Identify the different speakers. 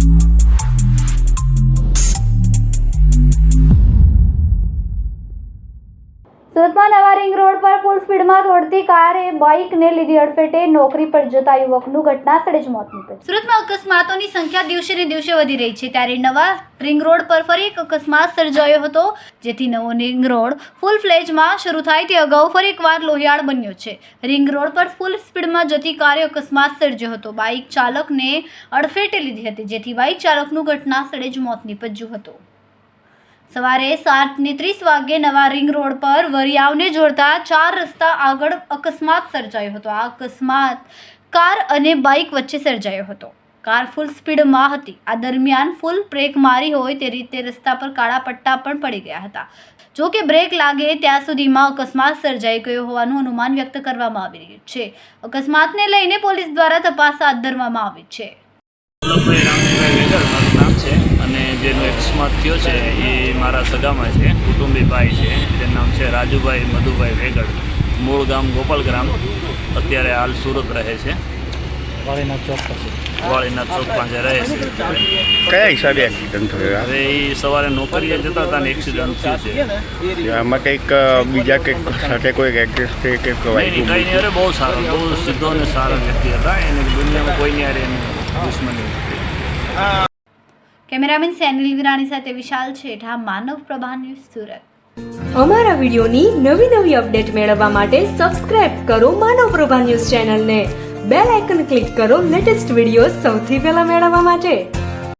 Speaker 1: સુરતમાં નવા ring road પર ફૂલ સ્પીડમાં દોડતી કારે બાઇકને લીધી અડફેટે નોકરી પર જતા યુવકનું ઘટના સ્થળે જ મોત નીપજ્યું। સુરતમાં અકસ્માતોની સંખ્યા દિવસે ને દિવસે વધી રહી છે, ત્યારે નવા રિંગ રોડ પર ફરી એક અકસ્માત સર્જાયો હતો, જેથી નવો રિંગ રોડ ફૂલ ફ્લેજમાં શરૂ થાય તે અગાઉ ફરી એકવાર લોહિયાળ બન્યો છે। રિંગ રોડ પર ફૂલ સ્પીડમાં જતી કારે અકસ્માત સર્જ્યો હતો। બાઇક ચાલકને અડફેટે લીધી હતી, જેથી બાઇક ચાલકનું ઘટના સ્થળે જ મોત નીપજ્યું હતું। સવારે 7:30 વાગ્યે નવા રિંગ રોડ પર વરિયાવને જોડતા 4 રસ્તા આગળ અકસ્માત સર્જાયો હતો। આ અકસ્માત કાર અને બાઇક વચ્ચે સર્જાયો હતો। કાર ફૂલ સ્પીડમાં હતી। આ દરમિયાન ફૂલ બ્રેક મારી હોય તે રીતે રસ્તા પર કાળા પટ્ટા પણ પડી ગયા હતા। જો કે બ્રેક લાગે ત્યાં સુધીમાં અકસ્માત સર્જાઈ ગયો હોવાનું અનુમાન વ્યક્ત કરવામાં આવી રહ્યું છે। અકસ્માતને લઈને પોલીસ દ્વારા તપાસ હાથ ધરવામાં આવી છે।
Speaker 2: અને જેનો અકસ્માત થયો છે એ મારા સગામાં છે, કુટુંબી ભાઈ છે, જેનું નામ છે રાજુભાઈ મધુભાઈ વેગડ, મૂળ ગામ ગોપાલગ્રામ, અત્યારે હાલ સુરત રહે છે, વાળીનાથ ચોક પાસે રહે છે।
Speaker 3: કયા હિસાબે એક્સિડન્ટ થયો?
Speaker 2: હવે એ સવારે નોકરીએ જતા હતા ને એક્સિડન્ટ થયું છે।
Speaker 3: આમાં કંઈક બીજા કંઈક સાથે કોઈ એડ્રેસ છે કે
Speaker 2: કંઈ નહીં, અરે બહુ સારો, બહુ સીધો અને સારો વ્યક્તિ હતા, એને દુનિયામાં કોઈની હારે એની દુશ્મની નથી।
Speaker 1: કેમેરામેન સેનિલ વિરાણી સાથે વિશાલ છેઠા, માનવ પ્રભા ન્યૂઝ, સુરત।
Speaker 4: અમારા વિડીયોની નવી અપડેટ મેળવવા માટે સબસ્ક્રાઇબ કરો માનવ પ્રભા ન્યૂઝ ચેનલને, બેલ આઇકન ક્લિક કરો લેટેસ્ટ વિડીયો સૌથી પહેલા મેળવવા માટે।